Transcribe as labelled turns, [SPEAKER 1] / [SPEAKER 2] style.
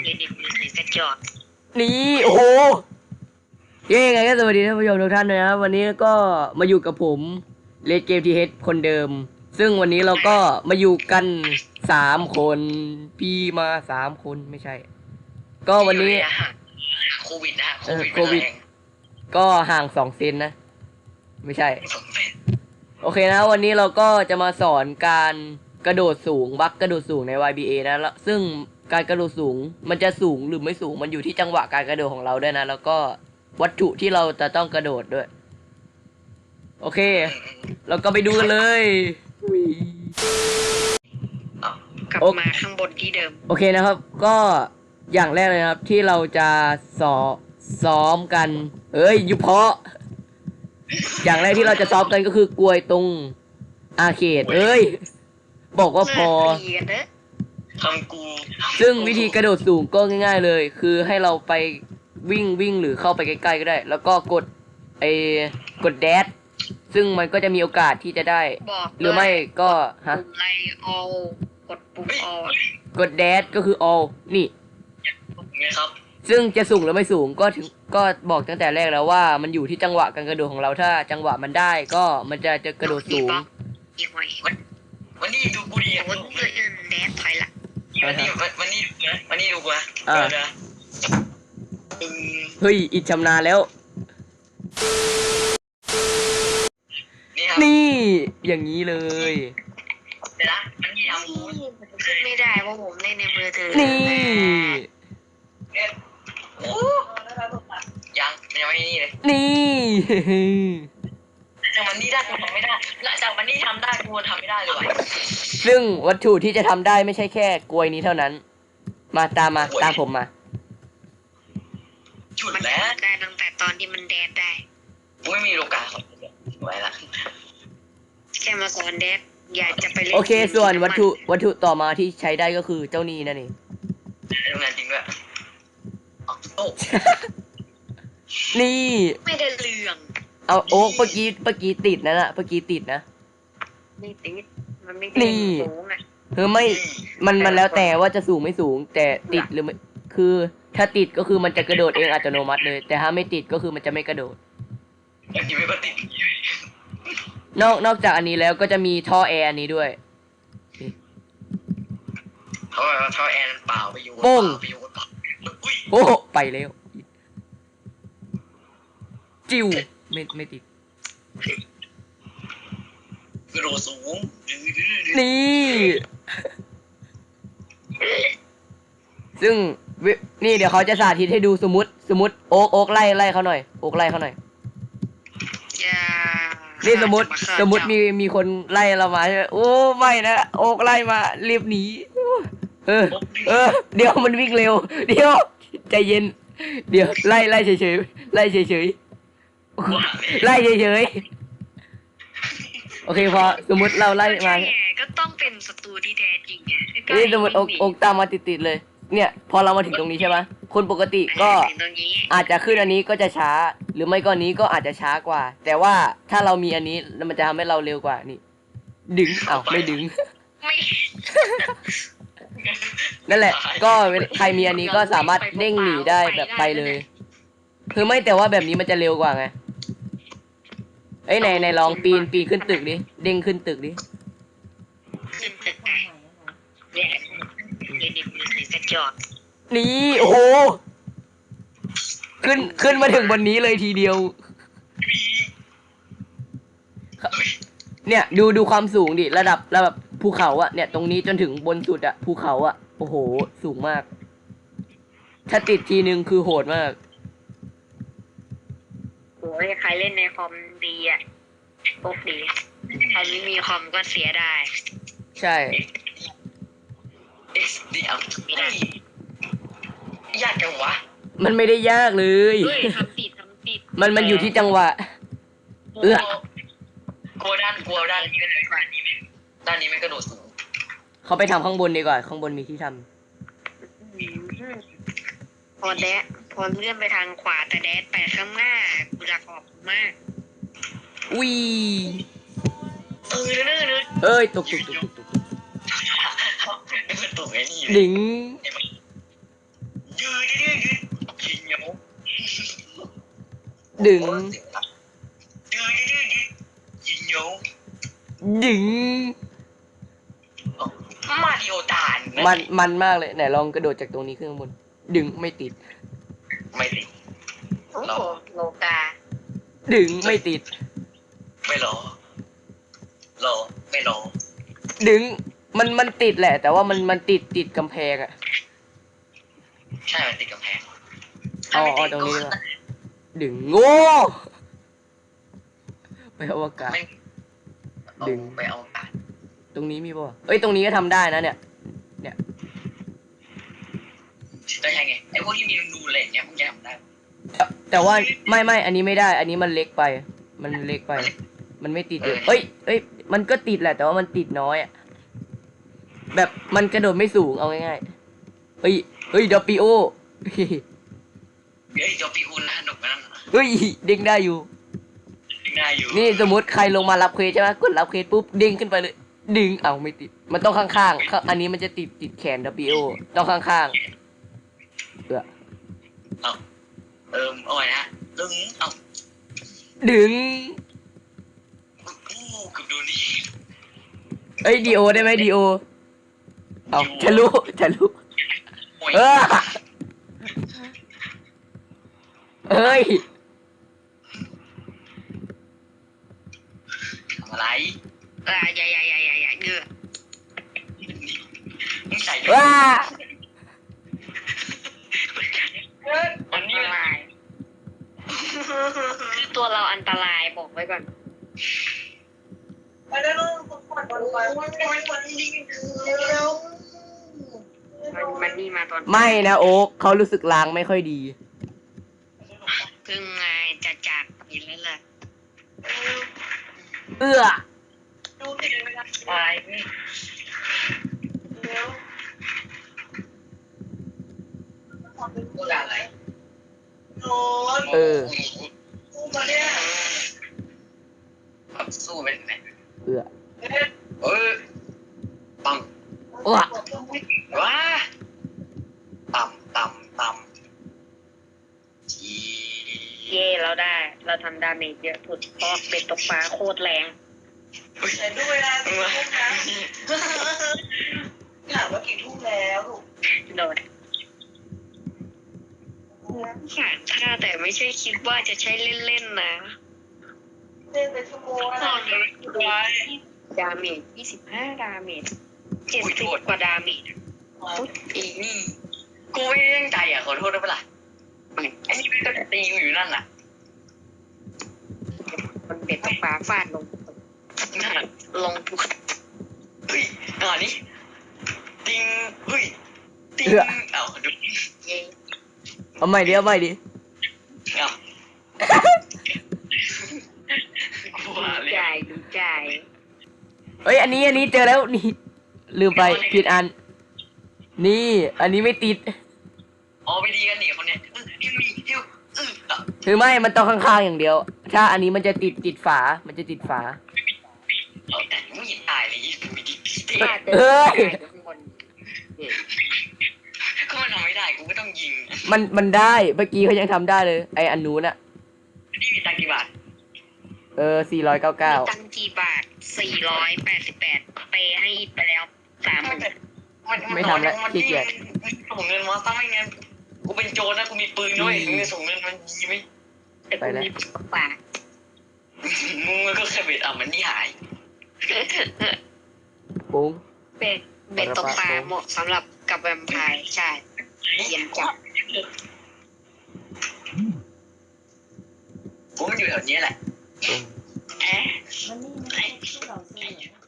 [SPEAKER 1] เล่นในมือถือกระจอก
[SPEAKER 2] นี่โอ้โหเย้ไงก็สวัสดีท่านผู้ชมทุกท่านนะครับวันนี้ก็มาอยู่กับผมเลดเกมทีเฮดคนเดิมซึ่งวันนี้เราก็มาอยู่กัน3 คนพี่มา3 คนไม่ใช่ก็วันนี้
[SPEAKER 1] โควิดนะ
[SPEAKER 2] โควิดก็ห่าง2 เซนนะไม่ใช่โอเคนะวันนี้เราก็จะมาสอนการกระโดดสูงบัคกระโดดสูงใน YBA นะแล้วซึ่งการกระโดดสูงมันจะสูงหรือไม่สูงมันอยู่ที่จังหวะการกระโดดของเราด้วยนะแล้วก็วัตถุที่เราจะต้องกระโดดด้วยโอเคเราก็ไปดูกันเลย
[SPEAKER 1] กลับมาข้างบนที่เดิม
[SPEAKER 2] โอเคนะครับก็อย่างแรกเลยครับที่เราจะซ้อมกันอยู่เพาะอย่างแรกที่เราจะซ้อมกันก็คือกลวยตรงอาร์เคดบอกว่าพอ
[SPEAKER 1] ทำกู
[SPEAKER 2] ซึ่งวิธีกระโดดสูงก็ง่ายๆเลยคือให้เราไปวิ่งหรือเข้าไปใกล้ๆก็ได้แล้วก็กดแดชซึ่งมันก็จะมีโอกาสที่จะได้หรือไม่ก็ฮะ
[SPEAKER 1] ไลออลกดปุ่มออล
[SPEAKER 2] กดแดชก็คือ all นี่
[SPEAKER 1] ครับ
[SPEAKER 2] ซึ่งจะสูงหรือไม่สูงก็บอกตั้งแต่แรกแล้วว่ามันอยู่ที่จังหวะการกระโดดของเราถ้าจังหวะมันได้ก็มันจะกระโดดสูง
[SPEAKER 1] วันนี้ดูกูดีวันนี้แดชถอยละวันนี้ดูกูนะ
[SPEAKER 2] เฮ้ยอิดชำนาญแล้วนี่อย่างนี้เลย
[SPEAKER 1] เดี๋ยวนะมันมีเอาขึ้นไม่ได้เพราะผมเล่นในมือถือ
[SPEAKER 2] นี่
[SPEAKER 1] ยังไม่นี่เลย
[SPEAKER 2] นี่
[SPEAKER 1] จากมันนี่ได้กูทำไม่ได้และจากมันนี่ทำได้กูทำไม่ได้เลยว่ะ
[SPEAKER 2] ซึ่งวัตถุที่จะทำได้ไม่ใช่แค่กลวยนี้เท่านั้นมาตามผมมา
[SPEAKER 1] ฉุดแล้วได้ตั้งแต่ตอนที่มันแดดได้ไม่มีโลกาของไว้ละแค่มาสอนแดดอยากจะไปเล่น
[SPEAKER 2] โอเคส่วนวัตถุต่อมาที่ใช้ได้ก็คือเจ้านี่นั่นเอง
[SPEAKER 1] ทำงานจริงด้วย
[SPEAKER 2] นี่
[SPEAKER 1] ไม่ได้เรื่อง
[SPEAKER 2] เอาโอ๊กเมื่อกี้ติดนะเมื่อกี้ติดนะ
[SPEAKER 1] ไม่ติดมันไม่ติดสูงอ่ะ
[SPEAKER 2] ไม่มันแล้วแต่ว่าจะสูงไม่สูงแต่ติดหรือไม่คือถ้าติดก็คือมันจะกระโดดเองอัตโนมัติเลยแต่ถ้าไม่ติดก็คือมันจะไม่กระโดดนอกจากอันนี้แล้วก็จะมีท่อแอร์อันนี้ด้วย
[SPEAKER 1] ท่อแอร์เปล่าไปอยู่
[SPEAKER 2] โป้งโอ้ไปแล้วจิ้วไม่ติด
[SPEAKER 1] กระโดดสูง
[SPEAKER 2] นี่ซึ่งนี่เดี๋ยวเขาจะสาธิตให้ดูสมมติโอ๊กไล่เขาหน่อยโอ๊กไล่เขาหน่อยนี่สมมติมีคนไล่เรามาใช่ไหมโอ้ไม่นะโอ๊กไล่มารีบหนีเดี๋ยวมันวิ่งเร็วเดี๋ยวใจเย็นเดี๋ยวไล่เฉยไล่เฉยโอเคพอสมมติเราไล่มา
[SPEAKER 1] ก็ต้องเป็นศัตรูที่แท้จริงไง
[SPEAKER 2] นี่สมมติโอ๊กตามมาติดเลยเนี่ยพอเรามาถึงตรงนี้ใช่ไหมคนปกติก็อาจจะขึ้นอันนี้ก็จะช้าหรือไม่ก็นี้ก็อาจจะช้ากว่าแต่ว่าถ้าเรามีอันนี้มันจะทำให้เราเร็วกว่านี่ดึงไม่ดึงนั่นแหละก็ใครมีอันนี้ก็สามารถเด้งหนีได้แบบไปเลยคือไม่แต่ว่าแบบนี้มันจะเร็วกว่าไงไหนลองปีนขึ้นตึกดิเด้งขึ้นตึกดินี่โอ้โหขึ้นมาถึงบนนี้เลยทีเดียวเนี่ยดูความสูงดิระดับภูเขาอะเนี่ยตรงนี้จนถึงบนสุดอะภูเขาอะโอ้โหสูงมากถ้าติดทีนึงคือโหดมาก
[SPEAKER 1] โอ้ยใครเล่นในคอมดีอ่ะพวกดีใครไม่มีคอมก็เสียได้
[SPEAKER 2] ใช่
[SPEAKER 1] ไม่ได้ยากจังวะ
[SPEAKER 2] มันไม่ได้ยากเลย
[SPEAKER 1] ทำติด
[SPEAKER 2] มันอยู่ที่จังหวะ
[SPEAKER 1] กลัวด้านนี้ไม่เลยด้านนี้ไม่กระโดดสูง
[SPEAKER 2] เขาไปทำข้างบนดีกว่าข้างบนมีที่ท
[SPEAKER 1] ำพอเลื่อนไปทางขวาแต่แดดไปข้างหน้ากูรักออกมาก
[SPEAKER 2] ตกดิง
[SPEAKER 1] ยืดยืดยืดยิงเหนียว
[SPEAKER 2] ดึง
[SPEAKER 1] ยืดยืดยืดยิงเหนียว
[SPEAKER 2] ดึง
[SPEAKER 1] มาริโอตาน
[SPEAKER 2] มันมากเลยไหนลองกระโดดจากตรงนี้ขึ้นข้างบนดึงไม่ติด
[SPEAKER 1] ไม่ติด
[SPEAKER 3] โอ้โหโลกา
[SPEAKER 2] ดึงไม่ติด
[SPEAKER 1] ไม่รอไม่รอ
[SPEAKER 2] ดึงมันติดแหละ แต่ว่ามันติดกำแพงอะ
[SPEAKER 1] ใช่มันติดกำแพง
[SPEAKER 2] เอาตรงนี้ว่ะดึงโง่ไปอวกาศ ดึง
[SPEAKER 1] ไปเอาตาน
[SPEAKER 2] ตรงนี้มีป่ะเอ้ยตรงนี้ก็ทำได้นะเนี่ย
[SPEAKER 1] ได้ยังไงไอ้พวกที่มีรูอะไรอย่างเงี้ยมึงจะทำได้
[SPEAKER 2] แต่ว่าไม่อันนี้ไม่ได้ อันนี้มันเล็กไป มันเล็กไป มันไม่ติดเลยเอ้ยมันก็ติดแหละ แต่ว่ามันติดน้อยอะแบบมันกระโดดไม่สูงเอาง่ายๆเฮ้ยดอปปิโอ
[SPEAKER 1] เฮ้ยจอปีอุนนะหนุกนั่น
[SPEAKER 2] เฮ้ยเด้งได้อยู่
[SPEAKER 1] ง่ายอยู่
[SPEAKER 2] นี่สมมติใครลงมารับเควสใช่ไหมกดรับเควสปุ๊บเด้งขึ้นไปเลย ดึงเอาไม่ติด มันต้องข้างๆอันนี้มันจะติดแขน WO ต้องข้างๆ
[SPEAKER 1] เอาไว้นะดึงเอา
[SPEAKER 2] ดึง
[SPEAKER 1] เกือบโดนนี่
[SPEAKER 2] เอ้ยดีโอได้ไหมดีโอเอาทะลุ
[SPEAKER 1] โอ้ย
[SPEAKER 2] เอ้ย
[SPEAKER 1] ทำอะไร
[SPEAKER 3] อย่าเงือ
[SPEAKER 1] มึงใส่
[SPEAKER 2] ว้า
[SPEAKER 1] วันนี้
[SPEAKER 3] ลายคือตัวเราอันตรายบอกไว้ก่อน
[SPEAKER 1] ไปแล้ว
[SPEAKER 3] มันนี่มาตอน
[SPEAKER 2] ไม่นะโอ๊คเขารู้สึกล้างไม่ค่อยดี
[SPEAKER 3] เพิ่งไงจะจากไปแล้วล่ะ
[SPEAKER 2] เอื้อ
[SPEAKER 1] ตายตัวอะไร
[SPEAKER 2] เออ
[SPEAKER 1] สู้ไปไหน
[SPEAKER 2] เอื้อ
[SPEAKER 1] ปัง
[SPEAKER 2] ว้า
[SPEAKER 1] ว้าต่ำจี
[SPEAKER 3] เย่เราได้ เราทำดาเมจเยอะสุดเพราะเป็ดตกปลาโคตรแรง
[SPEAKER 1] ใส่ด้วยนะถามว่ากี่ทุ่มแล้ว
[SPEAKER 3] โดดสารค่าแต่ไม่ใช่คิดว่าจะใช้เล่นๆนะ
[SPEAKER 1] เล่นไปชั่วโมงอะไร
[SPEAKER 3] ดาเมจ25 ดาเมจ70 กว่าดาเมจ
[SPEAKER 1] อีนี่กูไม่ได้ตั้งใจอ่ะขอโทษด้วยเปล่าไอ้นี่ก็จะตีกูอยู่นั่นน่ะ
[SPEAKER 3] มันเป็ดตกปลาฟาดลง
[SPEAKER 1] นั่น
[SPEAKER 3] ลงทุก
[SPEAKER 1] เฮ้ยหน่อนี้ติงเฮ้ยติงเอาดู
[SPEAKER 3] เย่
[SPEAKER 2] เอาใหม่ดิเอาใหม่ดิ
[SPEAKER 1] เอากลัวเลย
[SPEAKER 3] ดูใจ
[SPEAKER 2] เอ้ยอันนี้เจอแล้วนี่ลืมไปผิดอัน นี่อันนี้ไม่ติด
[SPEAKER 1] อ๋อไปดีกันหนิคนเนี้ยฮิวฮิว
[SPEAKER 2] คือไม่มันต้องข้างๆอย่างเดียว ถ้าอันนี้มันจะติดฝา มันจะติดฝา
[SPEAKER 1] เอาแต่ไม่ยินตายเลยมีดีเตะ
[SPEAKER 2] เอ้ย
[SPEAKER 3] ข้างบน
[SPEAKER 1] ก็มันทำไม่ได้กูก็ต้องยิง
[SPEAKER 2] มันได้เมื่อกี้เขายังทำได้เลย ไออันนู้นอะ
[SPEAKER 1] นี่มีตังกี่บาท
[SPEAKER 2] 499
[SPEAKER 3] ตั้งกี่บาท488เปย์ให้อีกไปแล้ว30,000
[SPEAKER 2] ไม่ทำแล้วขี้เกียจ
[SPEAKER 1] ส่งเงินมาซะไม่งั้นกูเป็นโจรนะกูมีปืนด้วยมึงส่งเงินมันยิงไหม
[SPEAKER 3] แต่กูมีปาก
[SPEAKER 1] มึงก็แค่เบ็ดอ่ะมันนี่หาย
[SPEAKER 2] ปุ้ง
[SPEAKER 3] เป็ดตกปลาเหมาะสำหรับกับแวมไพร์ใช่เย็นจับ
[SPEAKER 1] กูมันอยู่แถวนี้แหละ
[SPEAKER 2] ปุ้ง
[SPEAKER 1] เอ๊ะ
[SPEAKER 4] มันนี่ไม่ใช่ที่เราซื้อ